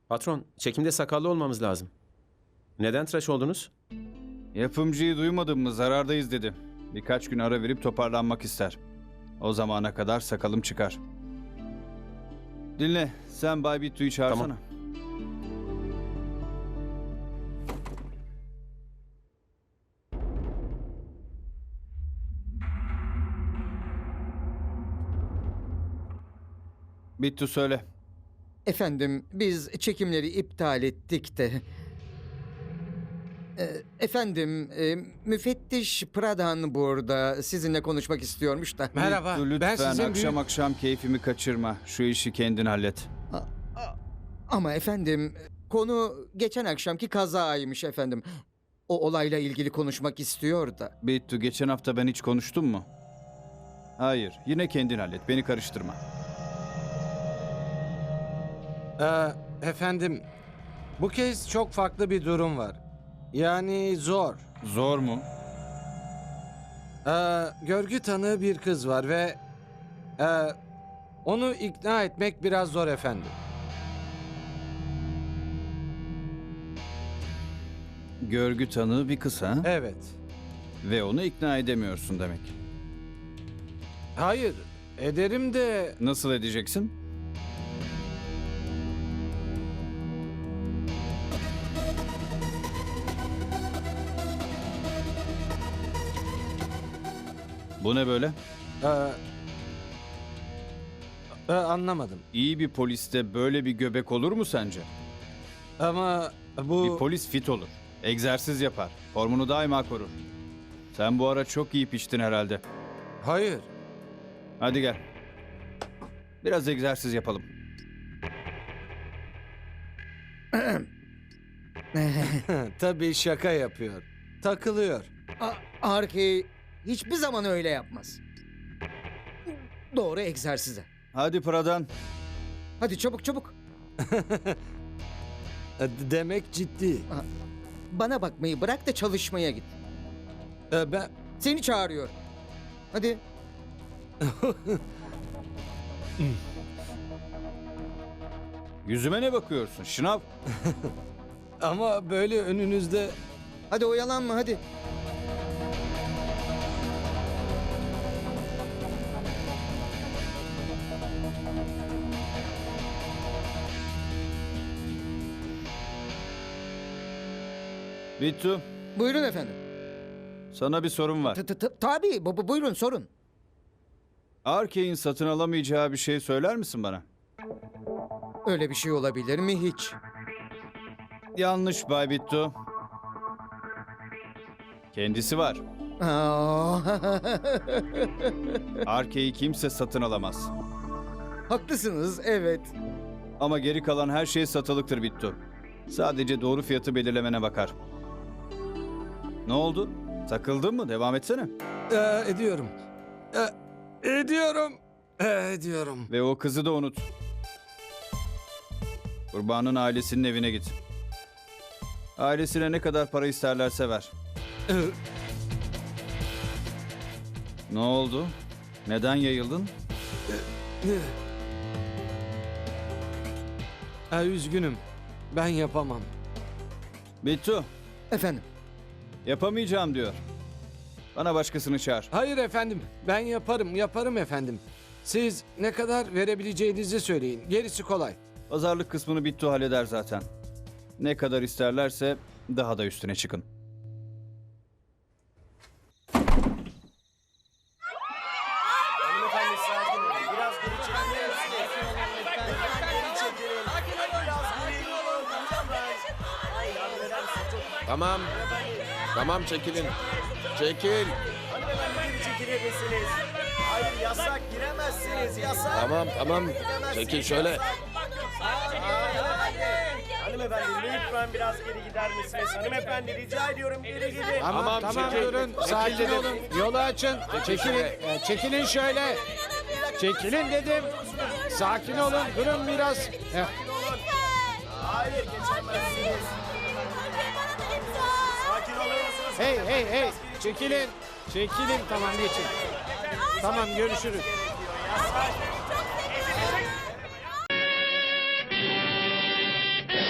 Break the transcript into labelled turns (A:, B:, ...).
A: Patron, çekimde sakallı olmamız lazım. Neden tıraş oldunuz?
B: Yapımcıyı duymadın mı zarardayız dedi. Birkaç gün ara verip toparlanmak ister. O zamana kadar sakalım çıkar. Dinle, sen Bay Bittu'yu çağırsana.
A: Tamam.
B: Bittu söyle.
C: Efendim, biz çekimleri iptal ettik de. Efendim, müfettiş Pradhan burada sizinle konuşmak istiyormuş da.
D: Merhaba.
B: Bittu,
D: Ben
B: lütfen
D: sizin
B: akşam akşam keyfimi kaçırma. Şu işi kendin hallet.
C: Ama efendim, konu geçen akşamki kazaymış efendim. O olayla ilgili konuşmak istiyor da.
B: Bittu, geçen hafta ben hiç konuştum mu? Hayır, yine kendin hallet. Beni karıştırma.
D: Efendim, bu kez çok farklı bir durum var. Yani zor.
B: Zor mu?
D: Görgü tanığı bir kız var ve onu ikna etmek biraz zor efendim.
B: Görgü tanığı bir kız ha?
D: Evet.
B: Ve onu ikna edemiyorsun demek.
D: Hayır, ederim de
B: Nasıl edeceksin? Bu ne böyle?
D: anlamadım.
B: İyi bir poliste böyle bir göbek olur mu sence?
D: Ama bu
B: Bir polis fit olur. Egzersiz yapar. Formunu daima korur. Sen bu ara çok iyi piştin herhalde.
D: hayır.
B: Hadi gel. Biraz egzersiz yapalım.
D: Tabii şaka yapıyor. Takılıyor.
C: Arki hiçbir zaman öyle yapmaz. Doğru egzersize.
B: Hadi Pradhan.
C: Hadi çabuk çabuk.
D: Demek ciddi.
C: Bana bakmayı bırak da çalışmaya git.
D: Ben
C: Seni çağırıyor. Hadi.
B: Yüzüme ne bakıyorsun? Şınav.
D: ama böyle önünüzde
C: Hadi oyalanma hadi.
B: Bittu,
C: Buyurun efendim.
B: sana bir sorum var.
C: Tabii buyurun sorun.
B: Arkey'in satın alamayacağı bir şey söyler misin bana?
C: Öyle bir şey olabilir mi hiç?
B: Yanlış Bay Bittu. Kendisi var.
C: Aa,
B: Arkey'i kimse satın alamaz.
C: haklısınız evet.
B: Ama geri kalan her şey satılıktır Bittu. Sadece doğru fiyatı belirlemene bakar. Ne oldu? Takıldın mı? Devam etsene.
D: ediyorum. Ediyorum. Ediyorum.
B: Ve o kızı da unut. Kurbanın ailesinin evine git. Ailesine ne kadar para isterlerse ver. Ne oldu? Neden yayıldın?
D: Üzgünüm. Ben yapamam.
B: Bittu,
C: Efendim.
B: yapamayacağım diyor. Bana başkasını çağır.
D: Hayır efendim. Ben yaparım efendim. Siz ne kadar verebileceğinizi söyleyin. Gerisi kolay.
B: Pazarlık kısmını Bittu halleder zaten. Ne kadar isterlerse daha da üstüne çıkın.
E: Hanımefendi sakin olun. Biraz geri çekilin.
F: Tamam. Tamam çekilin. Çekil.
E: Hanımefendi geri çekilir misiniz? Hayır yasak giremezsiniz yasak.
F: Tamam. Çekil şöyle.
E: Hanımefendi lütfen biraz geri gider misiniz? Hanımefendi rica ediyorum geri gidin.
F: Tamam, çekil.
D: durun.
F: Çekil
D: Sakin
F: dedim.
D: olun. Yolu açın. Çekilin. Çekilin şöyle. Çekilin dedim. Sakin olun. Durun biraz.
E: Hayır geçemezsiniz. Sakin olur musunuz?
D: Hey. Çekilin. Çekilin. Tamam geçin. Tamam görüşürüz.
E: Yasak.